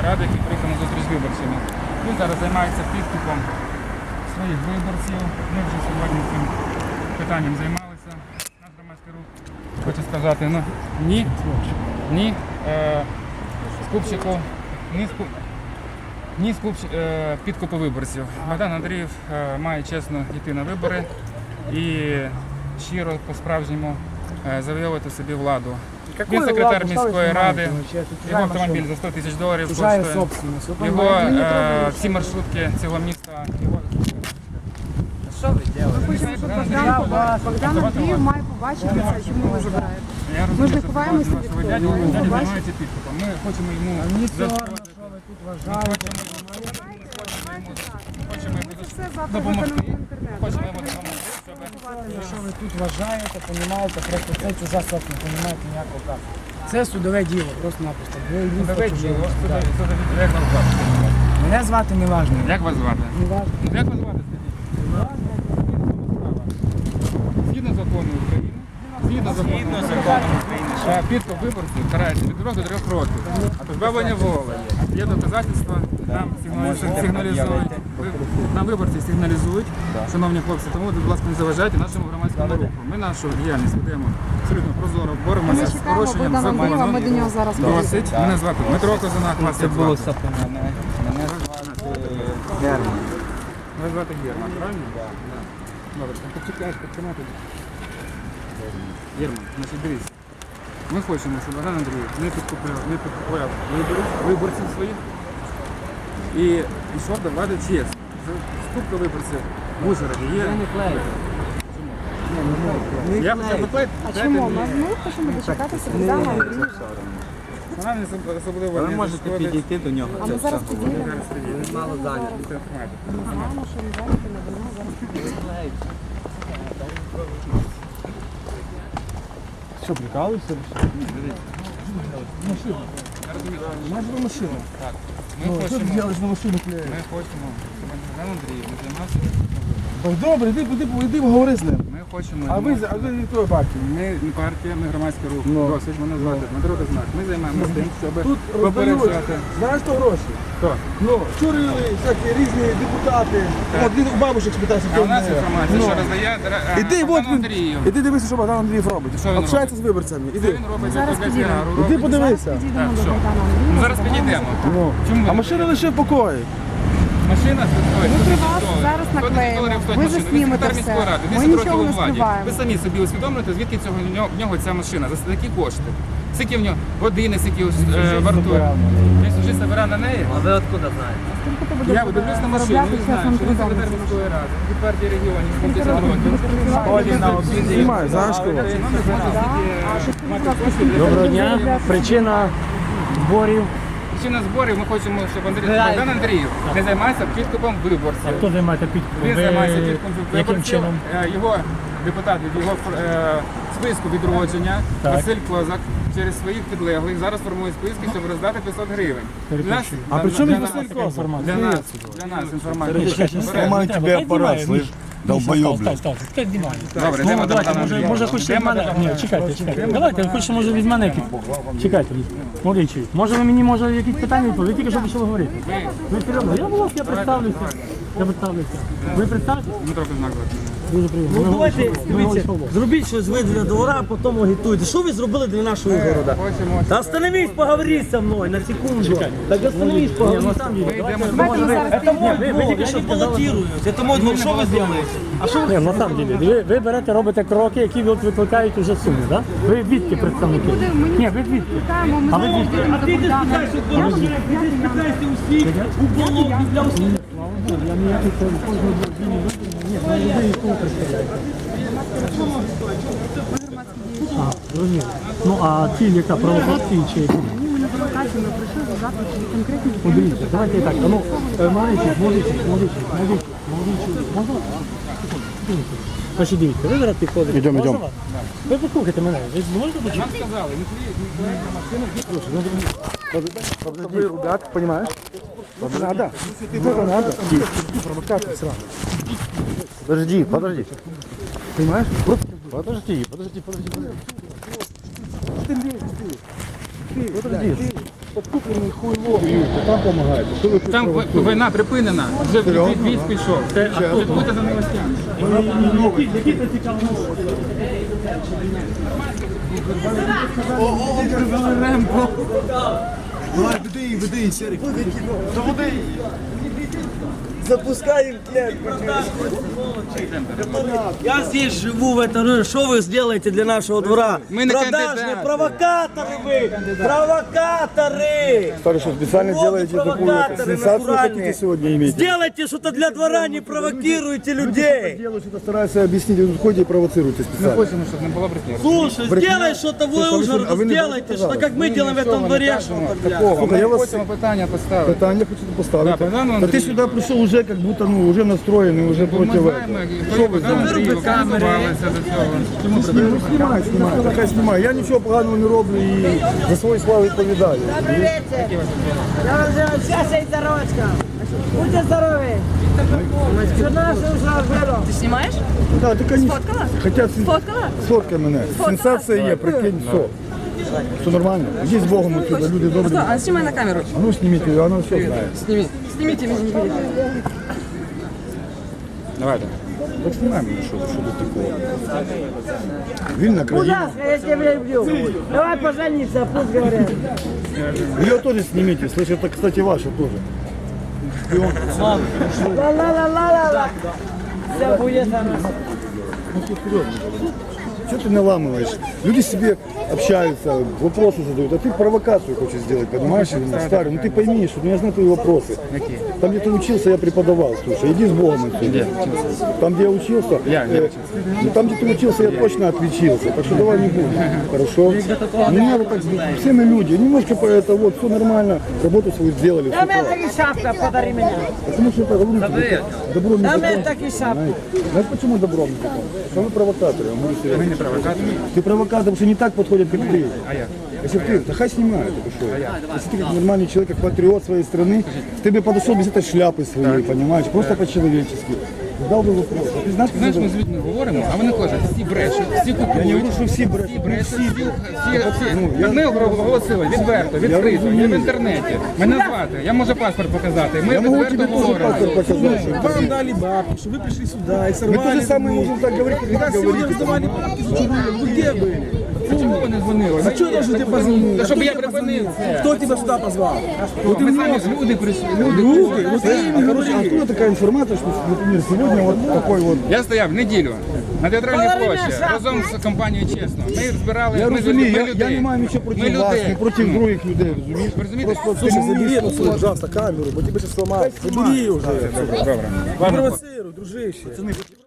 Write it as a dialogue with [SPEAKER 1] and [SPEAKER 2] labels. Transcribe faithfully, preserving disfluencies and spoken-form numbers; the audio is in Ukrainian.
[SPEAKER 1] ради, який приїхав на зустріч з виборцями. Він зараз займається підкупом своїх виборців. Ми вже сьогодні цим питанням займалися. Наш громадський рух хоче сказати, ну ні, ні е, скупчику, ні скуп, ні скуп, е, підкупу виборців. Богдан Андрієв е, має чесно йти на вибори і щиро по-справжньому е, завоювати собі владу. Він секретар міської ради, його автомобіль за сто тисяч доларів коштує, його е, всі маршрутки цього міста. Його...
[SPEAKER 2] Що ви робите?
[SPEAKER 3] Богдан, Богдан Андріїв має побачити це, чому ви забираєте.
[SPEAKER 1] Я
[SPEAKER 3] Ми ж
[SPEAKER 1] розумію,
[SPEAKER 3] не
[SPEAKER 1] що
[SPEAKER 3] ховаємося
[SPEAKER 1] це
[SPEAKER 3] від
[SPEAKER 1] вашого
[SPEAKER 3] того.
[SPEAKER 1] дядю,
[SPEAKER 3] Ми
[SPEAKER 1] дядя
[SPEAKER 3] бачимо.
[SPEAKER 1] займається підкупом. Ми хочемо йому
[SPEAKER 2] Мені соромно,
[SPEAKER 1] зашкодити.
[SPEAKER 2] що ви тут
[SPEAKER 1] Ми
[SPEAKER 2] вважаєте.
[SPEAKER 1] хочемо йому
[SPEAKER 3] Це все завтра
[SPEAKER 1] допомогти.
[SPEAKER 3] виконано в інтернет.
[SPEAKER 1] Хочемо йому допомогти, щоб...
[SPEAKER 2] Якщо ви тут вважаєте, понімаєте, просто це чужа сотня, не понімаєте ніякого права. Це судове діло, просто-напросто. Ви йдіть
[SPEAKER 1] Давай,
[SPEAKER 2] по
[SPEAKER 1] як
[SPEAKER 2] чужому.
[SPEAKER 1] вас звати?
[SPEAKER 2] Мене звати Неважно.
[SPEAKER 1] Як вас звати?
[SPEAKER 2] Неважно.
[SPEAKER 1] Ну, як вас звати, скажіть? Згідно закону України, згідно закону України, е, підкуп виборців карається від двох до трьох років. А позбавлення воли є доказательства, нам сигналізують, сигналізують. Ви- нам виборці сигналізують, шановні хлопці, тому, будь ласка, не заважайте нашому громадському руху. Ми нашу діяльність ведемо абсолютно прозоро,
[SPEAKER 3] Ми
[SPEAKER 1] боремося з
[SPEAKER 3] чекаємо
[SPEAKER 1] порушенням
[SPEAKER 3] Богдана Андрієва, ми до
[SPEAKER 1] закону.
[SPEAKER 3] нього зараз
[SPEAKER 1] Досить. Мене звати Дмитро Козунак, вас
[SPEAKER 4] Це
[SPEAKER 1] як
[SPEAKER 4] було
[SPEAKER 1] звати?
[SPEAKER 4] все понятно. Мене звати Герман.
[SPEAKER 1] Мене звати Герман, правильно? Так. Добре, так почекай, починати. Герман, значить дивіться. Ми хочемо, щоб Богдан Андрійович не підкупляв, не підкупляв виборів, виборців своїх і йшов до влади чесно. Скупка виборців в Ужгороді є.
[SPEAKER 2] не клею.
[SPEAKER 1] Я б запитаю,
[SPEAKER 3] А чому? Ми ми хочемо дочекатися Богдана Андрієва.
[SPEAKER 1] вона не соб- особливо
[SPEAKER 4] Ви
[SPEAKER 1] не
[SPEAKER 4] можете
[SPEAKER 1] зашкодить.
[SPEAKER 4] підійти до нього.
[SPEAKER 3] А
[SPEAKER 4] це
[SPEAKER 3] ми
[SPEAKER 4] все
[SPEAKER 3] зараз
[SPEAKER 4] говорити.
[SPEAKER 3] підійдемо.
[SPEAKER 1] Зараз тоді.
[SPEAKER 4] Мало зайняті.
[SPEAKER 1] Це хватить.
[SPEAKER 3] Знаємо, що він зараз на війну, зараз підійдемо.
[SPEAKER 2] Що, прикалуєшся? Машина.
[SPEAKER 1] Я розумію.
[SPEAKER 2] У нас була машина.
[SPEAKER 1] Так.
[SPEAKER 2] Ну,
[SPEAKER 1] Ми
[SPEAKER 2] що ти
[SPEAKER 1] хочемо,
[SPEAKER 2] робиш на машину клеїш?
[SPEAKER 1] ми хочемо, щоб Богдан Андрійович не займався.
[SPEAKER 2] Так добре, йди, йди, йди, поговори з ним.
[SPEAKER 1] Ми хочемо.
[SPEAKER 2] А ви,
[SPEAKER 1] йому-
[SPEAKER 2] а ви від тої партії?
[SPEAKER 1] Ми не партія, ми громадський рух.
[SPEAKER 2] Ну.
[SPEAKER 1] Досить, мене звати Дмитро Козунак. Ми займаємося тим, щоб
[SPEAKER 2] Тут роздають,
[SPEAKER 1] попереджати.
[SPEAKER 2] знаєш, то гроші?
[SPEAKER 1] Хто?
[SPEAKER 2] Ну, чурили всякі різні депутати. От він у бабушек спитайся.
[SPEAKER 1] А у нас інформація,
[SPEAKER 2] Ну.
[SPEAKER 1] що роздає дра-
[SPEAKER 2] Іди,
[SPEAKER 1] Богдан
[SPEAKER 2] от він,
[SPEAKER 1] Андріїв.
[SPEAKER 2] іди дивися, що Богдан Андріїв робить.
[SPEAKER 1] Що він
[SPEAKER 2] Общається
[SPEAKER 1] робить?
[SPEAKER 2] з виборцями.
[SPEAKER 1] Що
[SPEAKER 2] Іди.
[SPEAKER 1] він робить
[SPEAKER 3] Зараз
[SPEAKER 1] для
[SPEAKER 3] підійдемо.
[SPEAKER 1] піару?
[SPEAKER 2] Іди
[SPEAKER 1] Робить?
[SPEAKER 2] подивися.
[SPEAKER 3] Підійдемо
[SPEAKER 1] Так,
[SPEAKER 3] до
[SPEAKER 1] що?
[SPEAKER 3] Богдана Андрієва.
[SPEAKER 1] Ну, зараз підійдемо.
[SPEAKER 2] Ну.
[SPEAKER 1] Чому?
[SPEAKER 2] А машина лише в покої.
[SPEAKER 1] Машина стоїть
[SPEAKER 3] Ми
[SPEAKER 1] сто
[SPEAKER 3] при
[SPEAKER 1] тисяч
[SPEAKER 3] вас
[SPEAKER 1] доларів.
[SPEAKER 3] зараз
[SPEAKER 1] сто тисяч
[SPEAKER 3] наклеїмо.
[SPEAKER 1] доларів стоїть
[SPEAKER 3] Ви
[SPEAKER 1] машина.
[SPEAKER 3] заснімете
[SPEAKER 1] секретар
[SPEAKER 3] все.
[SPEAKER 1] міської ради,
[SPEAKER 3] Ми
[SPEAKER 1] десять
[SPEAKER 3] нічого
[SPEAKER 1] років
[SPEAKER 3] не
[SPEAKER 1] у владі.
[SPEAKER 3] скриваємо.
[SPEAKER 1] Ви самі собі усвідомлюєте, звідки цього, в нього- в нього ця машина, за такі кошти. Скільки в нього години, скільки е, вартує. Він вже збирав на неї.
[SPEAKER 4] А ви откуда знаєте?
[SPEAKER 3] Скільки ти будеш
[SPEAKER 1] Я дивлюсь на машину
[SPEAKER 3] заробляти
[SPEAKER 1] і знаю,
[SPEAKER 3] чесним
[SPEAKER 1] що він
[SPEAKER 3] трудом?
[SPEAKER 1] секретар міської ради, від партії регіонів, десять років.
[SPEAKER 4] Ходить на обіди.
[SPEAKER 2] Знімай, знаєш кого?
[SPEAKER 5] Доброго дня. Причина зборів.
[SPEAKER 1] Причина зборів, ми хочемо, щоб Андрій Богдан Андріїв не займався підкупом виборців.
[SPEAKER 5] Хто займається підкупом?
[SPEAKER 1] Він
[SPEAKER 5] Ви
[SPEAKER 1] займається підкупом
[SPEAKER 5] яким
[SPEAKER 1] виборців.
[SPEAKER 5] чином?
[SPEAKER 1] Е, Його депутат від його е, списку відродження,
[SPEAKER 5] Так.
[SPEAKER 1] Василь Козак, через своїх підлеглих зараз формує списки, щоб роздати п'ятсот гривень. Для нас,
[SPEAKER 2] А при
[SPEAKER 1] для-
[SPEAKER 2] чому
[SPEAKER 1] для
[SPEAKER 2] Василь
[SPEAKER 1] нас-
[SPEAKER 2] Козак?
[SPEAKER 1] Для нас, для нас інформація.
[SPEAKER 5] Знімаю тебе апарат, слиш? Долбойоб, блядь. Так, так, так, знімаю.
[SPEAKER 1] Добре,
[SPEAKER 5] Ну,
[SPEAKER 1] йдемо до
[SPEAKER 5] давайте,
[SPEAKER 1] Богдана
[SPEAKER 5] може,
[SPEAKER 1] Андрієва.
[SPEAKER 5] може хочете від
[SPEAKER 1] Йдемо до
[SPEAKER 5] мене?
[SPEAKER 1] Богдана
[SPEAKER 5] Ні, чекайте, чекайте. Давайте, ви хочете, може, від мене якісь... Чекайте, молодий. Може, ви мені, може, якісь питання відповіли? Ви тільки що почали говорити. Ви серйозно? Я, будь ласка, я представлюся. Я представлюся. Ви представтеся?
[SPEAKER 1] Дмитро Козак звати.
[SPEAKER 5] Дуже приємно.
[SPEAKER 6] Ну
[SPEAKER 5] Ми
[SPEAKER 6] давайте,
[SPEAKER 5] говоримо, ми
[SPEAKER 6] дивіться,
[SPEAKER 5] говоримо.
[SPEAKER 6] зробіть щось ви для двора, а потім агітуйте. Що ви зробили для нашого города?
[SPEAKER 1] Хочемо,
[SPEAKER 6] Да остановись, поговори со мной на секунду. Так остановись, поговори со мной.
[SPEAKER 1] йдемо до
[SPEAKER 3] Давайте ми зараз
[SPEAKER 6] Это мой
[SPEAKER 5] вы- вы
[SPEAKER 6] двор,
[SPEAKER 5] только
[SPEAKER 6] я
[SPEAKER 5] что
[SPEAKER 6] не
[SPEAKER 5] сказали,
[SPEAKER 6] баллотируюсь. Это мой двор, что вы сделаете? А что
[SPEAKER 5] Ні, на самом деле, ви, ви берете, робите кроки, які от викликають уже суми, так? Да? Ви відки представники? Ні, ви відки.
[SPEAKER 3] Питаємо, ми
[SPEAKER 5] А ви
[SPEAKER 3] зараз
[SPEAKER 5] звідки?
[SPEAKER 3] підійдемо
[SPEAKER 6] А
[SPEAKER 3] до
[SPEAKER 6] ты не
[SPEAKER 3] Богдана.
[SPEAKER 6] спитайся у Бога, ты не спитайся у всех, у Бога, для всех.
[SPEAKER 5] Слава Богу, я ніяких кожного дня ні, ну людей кого представляєте. А, зрозуміло. Ну а ціль яка, провокації чи які?
[SPEAKER 3] Ні, ми не провокацію, ми прийшли за запит конкретні
[SPEAKER 5] Ну, дивіться, давайте так, а ну, е, молодичі, молодичі, молодичі, молодичі, молодичі, можна? Секундочку. Значить, дивіться, ви зараз підходите.
[SPEAKER 2] Ідемо,
[SPEAKER 5] Можна
[SPEAKER 2] ідемо.
[SPEAKER 5] вас? Ви послухайте мене, ви можете почути?
[SPEAKER 1] Нам сказали, не
[SPEAKER 2] Вы ребят, понимаешь? Надо. Только надо. Провокация сразу.
[SPEAKER 4] Подожди, подожди.
[SPEAKER 2] Понимаешь? Просто
[SPEAKER 4] Подожди, подожди, подожди, подожди.
[SPEAKER 2] ты лезешь, ты. Ты,
[SPEAKER 4] Подожди.
[SPEAKER 2] ты.
[SPEAKER 7] подкуплений хуйло, там допомагаєте. Що ви тут
[SPEAKER 1] Там
[SPEAKER 7] провокуєте?
[SPEAKER 1] війна припинена, вже від військ пішов. Це слідкуйте за новостями.
[SPEAKER 5] Які це цікаві новини?
[SPEAKER 6] Запускаем клетку. Я здесь живу в этом районе. Что вы сделаете для нашего двора?
[SPEAKER 1] Мы не
[SPEAKER 6] Продажные
[SPEAKER 1] кандидаты.
[SPEAKER 6] провокаторы вы! Провокаторы!
[SPEAKER 7] Старый, что специально делаете такую
[SPEAKER 6] Провокаторы
[SPEAKER 7] сенсацию,
[SPEAKER 6] натуральные.
[SPEAKER 7] хотите сегодня иметь?
[SPEAKER 6] Сделайте что-то для двора, не провокируйте людей!
[SPEAKER 7] Делаю, что-то стараюсь объяснить, вы ходите и провоцируете
[SPEAKER 1] Ми
[SPEAKER 7] специально.
[SPEAKER 1] хочемо, щоб не було брехні.
[SPEAKER 6] Слушай, сделай что-то в
[SPEAKER 7] Слушай, а вы
[SPEAKER 6] Ужгороде,
[SPEAKER 7] что- а вы не
[SPEAKER 6] сделайте,
[SPEAKER 7] сказали?
[SPEAKER 6] что как мы делаем в этом дворе, что-то, блядь.
[SPEAKER 1] Такого,
[SPEAKER 7] Слухай, я
[SPEAKER 1] ми
[SPEAKER 7] вас-
[SPEAKER 1] хочемо питання поставити.
[SPEAKER 7] Питання хочу поставити.
[SPEAKER 1] Да, Богдану
[SPEAKER 7] Та ти
[SPEAKER 1] Андрію.
[SPEAKER 7] сюди прийшов уже як будто ну, вже настроєний, вже
[SPEAKER 1] Ми
[SPEAKER 7] проти
[SPEAKER 1] знаємо,
[SPEAKER 7] этого.
[SPEAKER 1] що ви Андрію готувалися до цього. Чому
[SPEAKER 7] Ну, знімай, знімай, нехай знімай. Я нічого поганого не роблю і за свою славу відповідаю.
[SPEAKER 8] Добрый вечер. Я вам желаю счастья и здоровочка. Будьте здоровы. Что наше уже было?
[SPEAKER 3] Ти знімаєш?
[SPEAKER 7] Так, ти, конечно,
[SPEAKER 3] Сфоткала?
[SPEAKER 7] хоча сен-
[SPEAKER 3] Сфоткала?
[SPEAKER 7] Сфоткай мене. Сенсація є, прикинь, все. Все нормально. Ідіть з Богом отсюда, люди добрі.
[SPEAKER 3] А знімай на камеру.
[SPEAKER 7] А ну зніміть її, вона все знає.
[SPEAKER 3] Сними. Снимите меня, не видите.
[SPEAKER 1] Давайте.
[SPEAKER 7] Так знімай мене, що, що до такого. Вільна країна.
[SPEAKER 8] Ужасно, я тебя люблю. Давай пожениться, пусть говорят.
[SPEAKER 7] Ее тоже снимите, слышь, это, кстати, ваше тоже.
[SPEAKER 8] Ла-ла-ла-ла-ла-ла. Все будет хорошо.
[SPEAKER 7] Что ты наламываешь? Люди себе общаются, вопросы задают, а ты провокацию хочешь сделать, понимаешь? Именно, старый, ну ты пойми, что ну, я знаю твои вопросы. Там, где ты учился, я преподавал, слушай, иди с Богом отсюда. Там, где я учился,
[SPEAKER 1] Я не
[SPEAKER 7] э, ну, там, где ты учился, я точно отличился, так что давай не будем, хорошо? Не надо так, все мы люди, немножко по это, вот, все нормально, работу свою сделали,
[SPEAKER 8] Да мне
[SPEAKER 7] все
[SPEAKER 8] таки шапка, подари меня.
[SPEAKER 7] потому что это говорю тебе, добро не
[SPEAKER 8] Да
[SPEAKER 7] добро.
[SPEAKER 8] мне таки шапка.
[SPEAKER 7] Знаете, знаешь, почему добром не закон? Что вы провокаторы, я говорю серьезно.
[SPEAKER 1] Ми не провокатори.
[SPEAKER 7] Ты провокатор, потому что не так подходят, как ты.
[SPEAKER 1] А як?
[SPEAKER 7] Если бы ты, да хай снимают, это что? Если ты как нормальный человек, как патриот своей страны, ты бы подошел без этой шляпы своей, понимаешь, просто по-человечески. Задал бы вопрос. А ты знаешь, как
[SPEAKER 1] Знаєш,
[SPEAKER 7] это-
[SPEAKER 1] ми з людьми говоримо, а вони кажуть, всі брешуть, всі
[SPEAKER 7] Я не
[SPEAKER 1] купують.
[SPEAKER 7] говорю, що всі брешуть,
[SPEAKER 1] Всі
[SPEAKER 7] ну,
[SPEAKER 1] брешуть,
[SPEAKER 7] всі.
[SPEAKER 1] всі, всі, всі.
[SPEAKER 7] Ну, я-
[SPEAKER 1] Ми оголосили відверто, відкрито,
[SPEAKER 7] розумію.
[SPEAKER 1] є в інтернеті. Мене звати, я можу паспорт показати. Ми
[SPEAKER 7] Я могу
[SPEAKER 1] відверто
[SPEAKER 7] тебе тоже
[SPEAKER 1] говоримо.
[SPEAKER 7] паспорт показать.
[SPEAKER 6] Вам дали бабки, что вы пришли сюда и
[SPEAKER 7] Мы
[SPEAKER 6] сорвали.
[SPEAKER 7] то же самое можем так говорить, как вы говорите.
[SPEAKER 6] раздавали бабки за чужие. Вы где были?
[SPEAKER 1] А чому ви не дзвонили?
[SPEAKER 6] А что должен тебе позвонить?
[SPEAKER 1] Та щоб я припинив це.
[SPEAKER 6] Кто тебя сюда позвал?
[SPEAKER 1] От ми самі ж люди прийшли, люди.
[SPEAKER 6] Люди, вот ты им
[SPEAKER 7] А, короче,
[SPEAKER 6] говори.
[SPEAKER 7] откуда такая информация, что, например, сегодня вот такой вот...
[SPEAKER 1] Я стояв неділю на театральній
[SPEAKER 8] Половина
[SPEAKER 1] площі
[SPEAKER 8] шапки.
[SPEAKER 1] разом з компанією «Чесно». Ми збирали,
[SPEAKER 7] Я
[SPEAKER 1] ми,
[SPEAKER 7] розумію,
[SPEAKER 1] ми
[SPEAKER 7] я, я
[SPEAKER 1] людей.
[SPEAKER 7] не маю нічого проти
[SPEAKER 1] Ми
[SPEAKER 7] вас,
[SPEAKER 1] людей.
[SPEAKER 7] не проти
[SPEAKER 1] Ну,
[SPEAKER 7] других людей, розумієш?
[SPEAKER 1] ви розумієте?
[SPEAKER 6] Слушай, забери, пожалуйста, камеру, бо тебе сейчас сломают. Забери уже.
[SPEAKER 1] Добре.
[SPEAKER 6] Не провоцируй, дружище.